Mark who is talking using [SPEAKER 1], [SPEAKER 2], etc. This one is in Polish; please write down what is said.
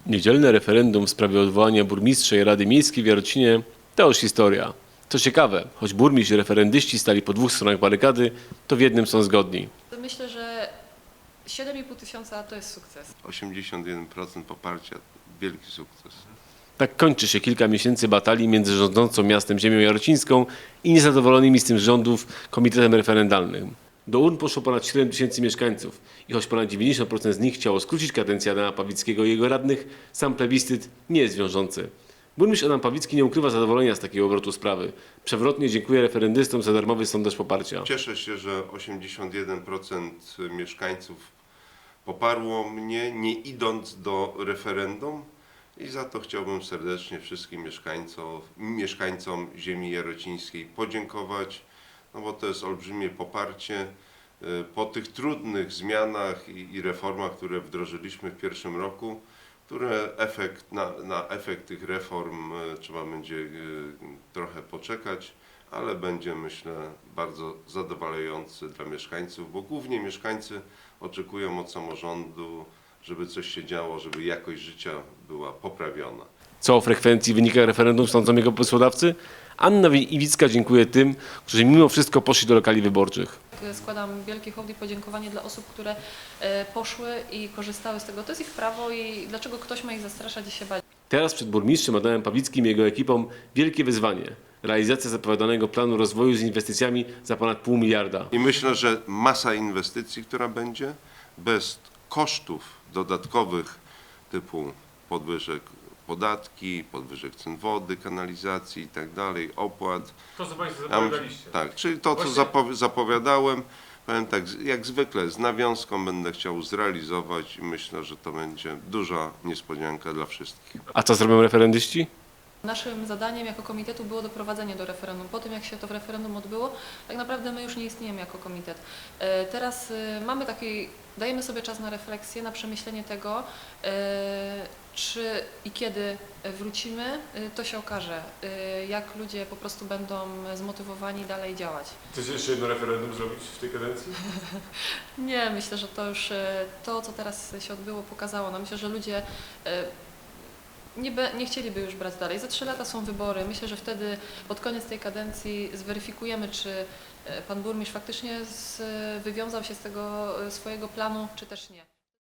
[SPEAKER 1] Niedzielne referendum w sprawie odwołania burmistrza i Rady Miejskiej w Jarocinie to już historia. Co ciekawe, choć burmistrz i referendyści stali po dwóch stronach barykady, to w jednym są zgodni.
[SPEAKER 2] Myślę, że 7,5 tysiąca to jest sukces.
[SPEAKER 3] 81% poparcia, wielki sukces.
[SPEAKER 1] Tak kończy się kilka miesięcy batalii między rządzącą miastem ziemią jarocińską i niezadowolonymi z tym rządów komitetem referendalnym. Do urn poszło ponad 7 tysięcy mieszkańców i choć ponad 90% z nich chciało skrócić kadencję Adama Pawlickiego i jego radnych, sam plebiscyt nie jest wiążący. Burmistrz Adam Pawlicki nie ukrywa zadowolenia z takiego obrotu sprawy. Przewrotnie dziękuję referendystom za darmowy sondaż poparcia.
[SPEAKER 3] Cieszę się, że 81% mieszkańców poparło mnie, nie idąc do referendum, i za to chciałbym serdecznie wszystkim mieszkańcom ziemi jarocińskiej podziękować, no bo to jest olbrzymie poparcie. Po tych trudnych zmianach i reformach, które wdrożyliśmy w pierwszym roku, na efekt tych reform trzeba będzie trochę poczekać, ale będzie, myślę, bardzo zadowalający dla mieszkańców, bo głównie mieszkańcy oczekują od samorządu, żeby coś się działo, żeby jakość życia była poprawiona.
[SPEAKER 1] Co o frekwencji wynikach referendum sądzą jego pomysłodawcy? Anna Iwicka dziękuję tym, którzy mimo wszystko poszli do lokali wyborczych.
[SPEAKER 2] Składam wielkie hołd i podziękowanie dla osób, które poszły i korzystały z tego. To jest ich prawo i dlaczego ktoś ma ich zastraszać i się bać?
[SPEAKER 1] Teraz przed burmistrzem Adamem Pawlickim i jego ekipą wielkie wyzwanie. Realizacja zapowiadanego planu rozwoju z inwestycjami za ponad $0,5 miliarda.
[SPEAKER 3] I myślę, że masa inwestycji, która będzie, bez kosztów dodatkowych typu podwyżek podatki, podwyżek cen wody, kanalizacji i tak dalej, opłat.
[SPEAKER 1] To, co Państwo zapowiadaliście.
[SPEAKER 3] Tak, czyli to, co zapowiadałem, powiem tak, jak zwykle z nawiązką będę chciał zrealizować i myślę, że to będzie duża niespodzianka dla wszystkich.
[SPEAKER 1] A co zrobią referendyści?
[SPEAKER 2] Naszym zadaniem jako komitetu było doprowadzenie do referendum. Po tym, jak się to referendum odbyło, tak naprawdę my już nie istniejemy jako komitet. Teraz dajemy sobie czas na refleksję, na przemyślenie tego, czy i kiedy wrócimy, to się okaże, jak ludzie po prostu będą zmotywowani dalej działać.
[SPEAKER 1] Chcecie jeszcze jedno referendum zrobić w tej kadencji?
[SPEAKER 2] Nie, myślę, że to już to, co teraz się odbyło, pokazało nam. Myślę, że ludzie nie chcieliby już brać dalej. Za 3 lata są wybory. Myślę, że wtedy pod koniec tej kadencji zweryfikujemy, czy pan burmistrz faktycznie wywiązał się z tego swojego planu, czy też nie.